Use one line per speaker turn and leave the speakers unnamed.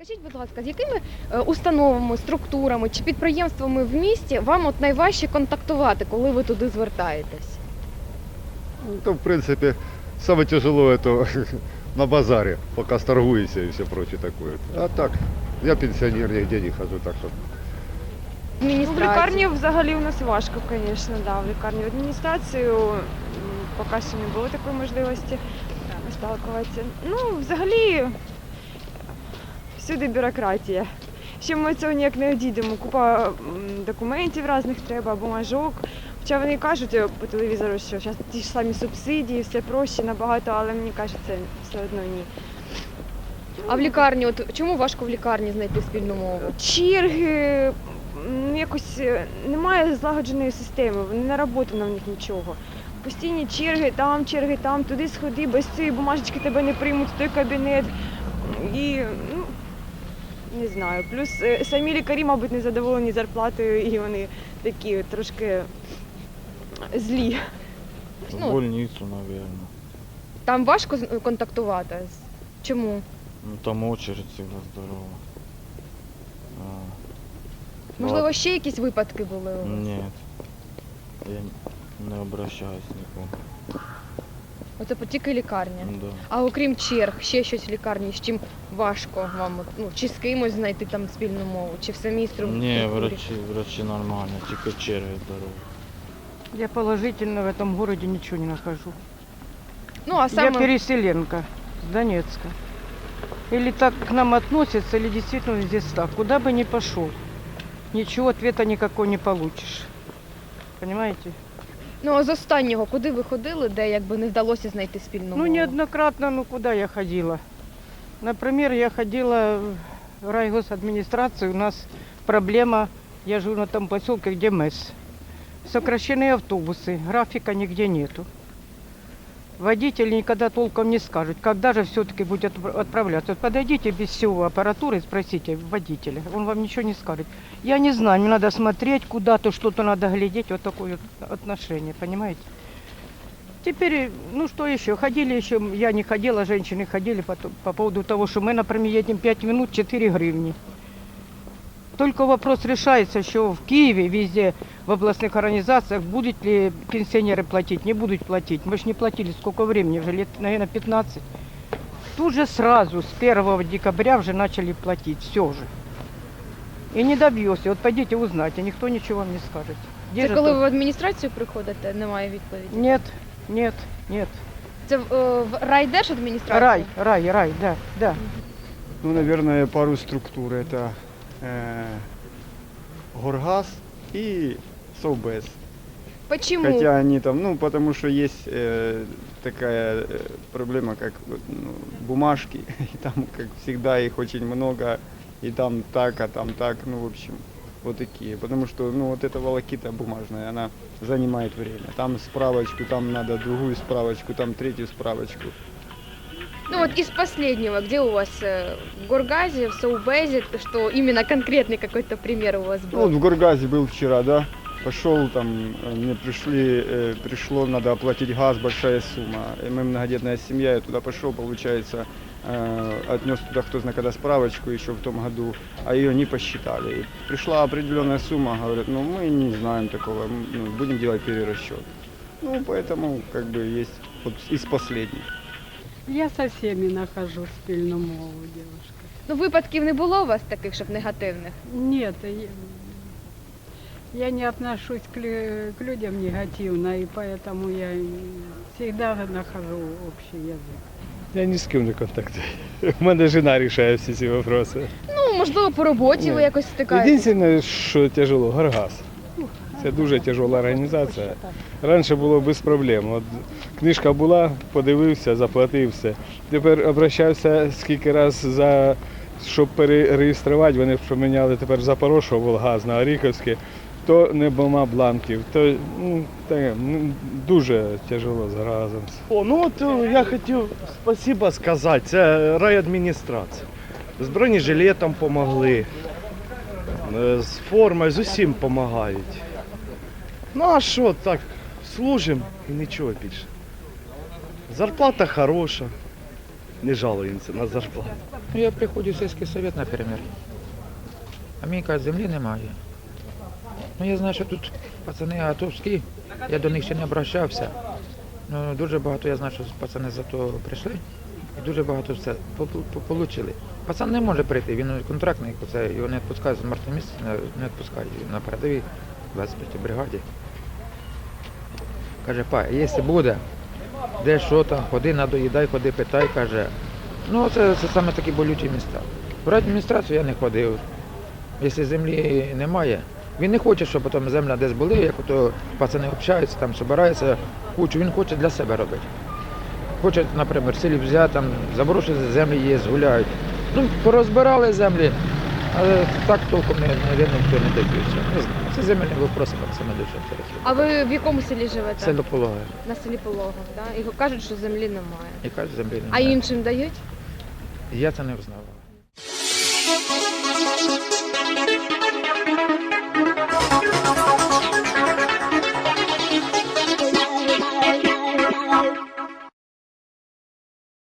Скажіть, будь ласка, з якими установами, структурами чи підприємствами в місті вам от найважче контактувати, коли ви туди звертаєтесь?
Ну, то, в принципе, самое тяжело это на базаре, пока сторгуешься и все прочее такое. А так, я пенсионер, нигде не хожу, так что...
В
Адміністрації?
лікарні взагалі у нас важко, звісно, да. В лікарні в адміністрацію поки що не було такої можливості сталкуватися. Ну, взагалі, всюди бюрократія. Ще ми цього ніяк не одійдемо. Купа документів різних треба, бумажок. Хоча вони кажуть по телевізору, що зараз ті ж самі субсидії, все проще набагато, але мені кажеться, все одно ні.
А в лікарні, от чому важко в лікарні знайти спільну мову?
Черги, якось немає злагодженої системи, не нароботано в них нічого. Постійні черги там, туди сходи, без цієї бумажечки тебе не приймуть в той кабінет. І, ну, не знаю. Плюс самі лікарі, мабуть, не задоволені зарплатою і вони такі трошки злі.
Ну,
В больницу, наверное.
Там важко контактувати? Чому?
Ну, там очередь всегда здорова.
Можливо, ще якісь випадки були у вас?
Нет. Я не обращаюсь нікому.
Оце тільки лікарня.
Да.
А окрім черг, ще щось в лікарні, з чим важко вам? Ну, чи з кимось знайти там спільну мову, чи в самій структурі?
Не, врачи нормально, тільки черги здорові.
Я положительно в этом городе ничего не нахожу.
Ну, а
Я
саме...
переселенка с Донецка. Или так к нам относятся, или действительно здесь так. Куда бы ни пошел, ничего ответа никакой не получишь. Понимаете?
Ну, а з останнього, куди ви ходили, де якби не вдалося знайти спільну
Ну,
мову?
неоднократно, ну куда я ходила? Например, я ходила в райгосадминистрацию, у нас проблема, я живу на том поселке, где МЭС. Сокращены автобусы, графика нигде нету. Водители никогда толком не скажут, когда же все-таки будет отправляться. Вот подойдите без всего аппаратуры и спросите водителя, он вам ничего не скажет. Я не знаю, мне надо смотреть куда-то, что-то надо глядеть, вот такое вот отношение, понимаете? Теперь, ну что еще, ходили еще, я не ходила, женщины ходили по поводу того, что мы, например, едем 5 минут, 4 гривни. Только вопрос решается еще в Киеве, везде, в областных организациях, будут ли пенсионеры платить, не будут платить. Мы же не платили сколько времени, уже лет, наверное, 15. Тут же сразу, с 1 декабря уже начали платить, все же. И не добьешься, вот пойдите узнайте, никто ничего вам не скажет. Где
Це
же
коли
то?
ви в адміністрацію приходите, немає відповіді?
Нет, нет, нет.
Це в райдержадміністрацію?
Рай, да.
Ну, наверное, пару структур. Это Горгаз и Совбез.
Почему?
Хотя они там, ну, потому что есть такая проблема, как ну, бумажки. И там, как всегда, их очень много. И там так, а там так. Ну, в общем, вот такие. Потому что, ну, вот эта волокита бумажная, она занимает время. Там справочку, там надо другую справочку, там третью справочку.
Ну вот из последнего, где у вас в Горгазе, в Совбезе, что именно конкретный какой-то пример у вас
Ну, вот
был?
в Горгазе был вчера, да. Пошел там, мне пришло, надо оплатить газ, большая сумма. И мы многодетная семья, я туда пошел, получается, отнес туда кто знает когда справочку еще в том году, а ее не посчитали. И пришла определенная сумма, говорят, ну мы не знаем такого, ну, будем делать перерасчет. Ну, поэтому как бы есть вот из последних.
Я со всеми нахожу спільну мову, девушка.
Ну випадків не було у вас таких, щоб негативних?
Нет, я не отношусь к людям негативно, и поэтому я всегда нахожу общий язык.
Я ні з ким не контактую. У мене жена рішає всі ці питання.
Ну, можливо, по роботі ви
Ні.
якось стикаєтесь.
Єдине, що тяжело, Горгаз. Це дуже тяжела організація. Раніше було без проблем. От книжка була, подивився, заплатив все. Тепер обращався скільки разів, щоб перереєструвати, вони поміняли тепер Запорожжя, Волгаз на Оріхівське, то нема бланків, то дуже тяжело з Горгазом.
Ну от я хотів спасибо сказати, це райадміністрація. З бронежилетом допомогли, з формою, з усім допомагають. Ну а що, так, служимо і нічого більше. Зарплата хороша, не жалуємося на зарплату.
Ну, я приходжу в сільський совет, наприклад. А мені кажуть, землі немає. Ну я знаю, що тут пацани атовські, я до них ще не обращався. Ну, дуже багато я знаю, що пацани за то прийшли і дуже багато все отримали. Пацан не може прийти, він контрактний, його не відпускають з мертвого місця, не відпускають на передовій, 25-й бригаді. Каже, па, якщо буде, де що там, ходи надоїдай, ходи питай, каже. Ну це саме такі болючі міста. В адміністрацію я не ходив. Якщо землі немає, він не хоче, щоб потім земля десь були, як ото пацани общаються, там збираються кучу, він хоче для себе робити. Хоче, наприклад, в селі взяти, там заброшені землі є, гуляють. Ну, порозбирали землі, але так толком ніхто не добився. Не знаю, це земельні вопроси, саме дуже інтересує.
А ви в якому селі живете?
Село Пологи.
На селі Пологов, так? І кажуть, що землі немає.
І кажуть, землі
А
немає.
іншим дають?
Я це не взнавав.